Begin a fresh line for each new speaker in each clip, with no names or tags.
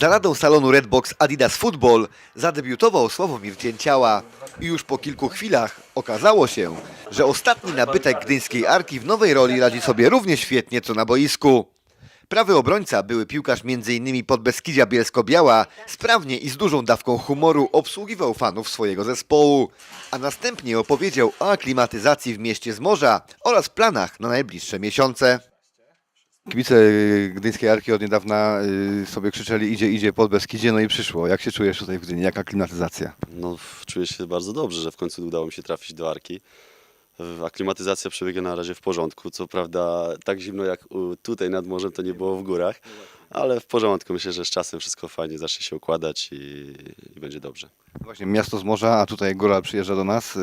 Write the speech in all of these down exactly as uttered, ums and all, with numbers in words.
Za ladą salonu Redbox Adidas Football zadebiutował Sławomir Cięciała i już po kilku chwilach okazało się, że ostatni nabytek gdyńskiej Arki w nowej roli radzi sobie równie świetnie co na boisku. Prawy obrońca, były piłkarz m.in. Podbeskidzia Bielsko-Biała, sprawnie i z dużą dawką humoru obsługiwał fanów swojego zespołu, a następnie opowiedział o aklimatyzacji w mieście z morza oraz planach na najbliższe miesiące. Kibice gdyńskiej Arki od niedawna sobie krzyczeli idzie, idzie Podbeskidzie, no i przyszło. Jak się czujesz tutaj w Gdyni? Jaka klimatyzacja?
No, czuję się bardzo dobrze, że w końcu udało mi się trafić do Arki. Aklimatyzacja przebiega na razie w porządku. Co prawda tak zimno jak tutaj nad morzem to nie było w górach, ale w porządku. Myślę, że z czasem wszystko fajnie zacznie się układać i, i będzie dobrze.
Właśnie miasto z morza, a tutaj góra przyjeżdża do nas,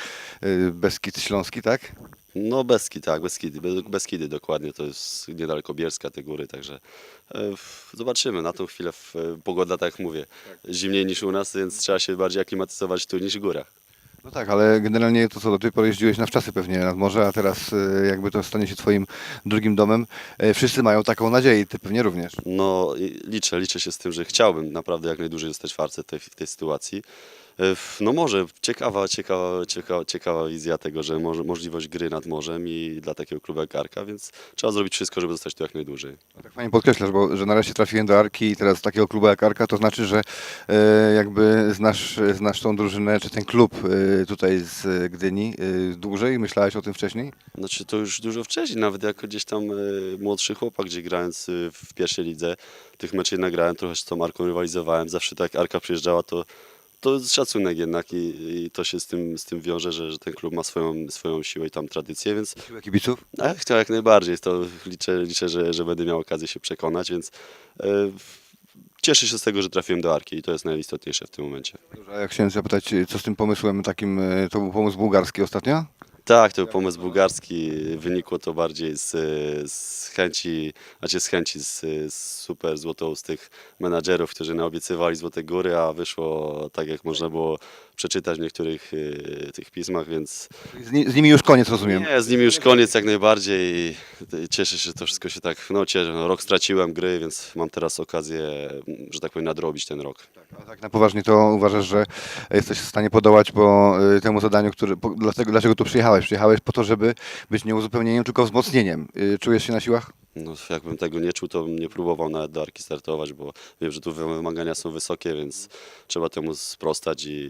Beskid Śląski, tak?
No Beskid, tak, Beskidy, Beskidy dokładnie, to jest niedaleko Bielska, te góry, także e, zobaczymy. Na tą chwilę w, pogoda, tak jak mówię, zimniej niż u nas, więc trzeba się bardziej aklimatyzować tu niż w górach.
No tak, ale generalnie to co, do tej pory jeździłeś na wczasy pewnie nad morze, a teraz y, jakby to stanie się twoim drugim domem. Y, Wszyscy mają taką nadzieję i ty pewnie również.
No i liczę, liczę się z tym, że chciałbym naprawdę jak najdłużej zostać w Arce tej, w tej sytuacji. E, No może ciekawa, ciekawa, ciekawa, ciekawa wizja tego, że może, możliwość gry nad morzem i dla takiego klubu jak Arka, więc trzeba zrobić wszystko, żeby zostać tu jak najdłużej.
Tak fajnie podkreślasz, bo że nareszcie trafiłem do Arki i teraz takiego klubu jak Arka, to znaczy, że y, jakby znasz, znasz tą drużynę, czy ten klub y, tutaj z Gdyni y, dłużej. Myślałeś o tym wcześniej?
Znaczy to już dużo wcześniej, nawet jako gdzieś tam e, młodszy chłopak, gdzie grając e, w pierwszej lidze, tych meczów nagrałem, trochę z tą Arką rywalizowałem, zawsze tak jak Arka przyjeżdżała, to to jest szacunek jednak i, i to się z tym, z tym wiąże, że, że ten klub ma swoją, swoją siłę i tam tradycję, więc
Siłę kibiców?
a ja chciał jak najbardziej, to liczę, liczę że, że będę miał okazję się przekonać, więc e, cieszę się z tego, że trafiłem do Arki i to jest najistotniejsze w tym momencie.
A ja chciałem zapytać, co z tym pomysłem takim, y, to był pomysł bułgarski ostatnio?
Tak, to był pomysł bułgarski. Wynikło to bardziej z, z chęci, znaczy z chęci z, z super złotoustych menadżerów, którzy naobiecywali Złote Góry, a wyszło tak, jak można było przeczytać w niektórych y, tych pismach, więc
Z, ni- z nimi już koniec, rozumiem.
nie, z nimi już koniec jak najbardziej. Cieszę się, że to wszystko się tak, no cieszę, no, rok straciłem gry, więc mam teraz okazję, że tak powiem, nadrobić ten rok.
A tak na poważnie to uważasz, że jesteś w stanie podołać po y, temu zadaniu, który, po, dlatego, dlaczego tu przyjechałeś? Przyjechałeś po to, żeby być nie uzupełnieniem, tylko wzmocnieniem. Y, Czujesz się na siłach?
No, jakbym tego nie czuł, to bym nie próbował nawet do Arki startować, bo wiem, że tu wymagania są wysokie, więc trzeba temu sprostać i,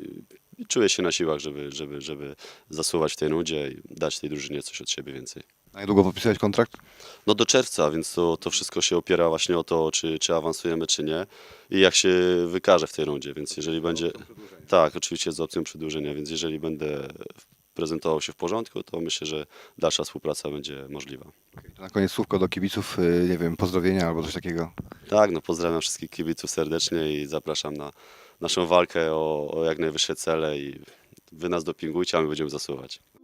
i czuję się na siłach, żeby, żeby, żeby zasuwać w tej nudzie i dać tej drużynie coś od siebie więcej.
Na niedługo podpisałeś kontrakt?
No do czerwca, więc to, to wszystko się opiera właśnie o to, czy, czy awansujemy, czy nie i jak się wykaże w tej rundzie, więc jeżeli będzie... Tak, oczywiście z opcją przedłużenia, więc jeżeli będę prezentował się w porządku, to myślę, że dalsza współpraca będzie możliwa.
To na koniec słówko do kibiców, y, nie wiem, pozdrowienia albo coś takiego.
Tak, no pozdrawiam wszystkich kibiców serdecznie i zapraszam na naszą walkę o, o jak najwyższe cele i wy nas dopingujcie, a my będziemy zasuwać.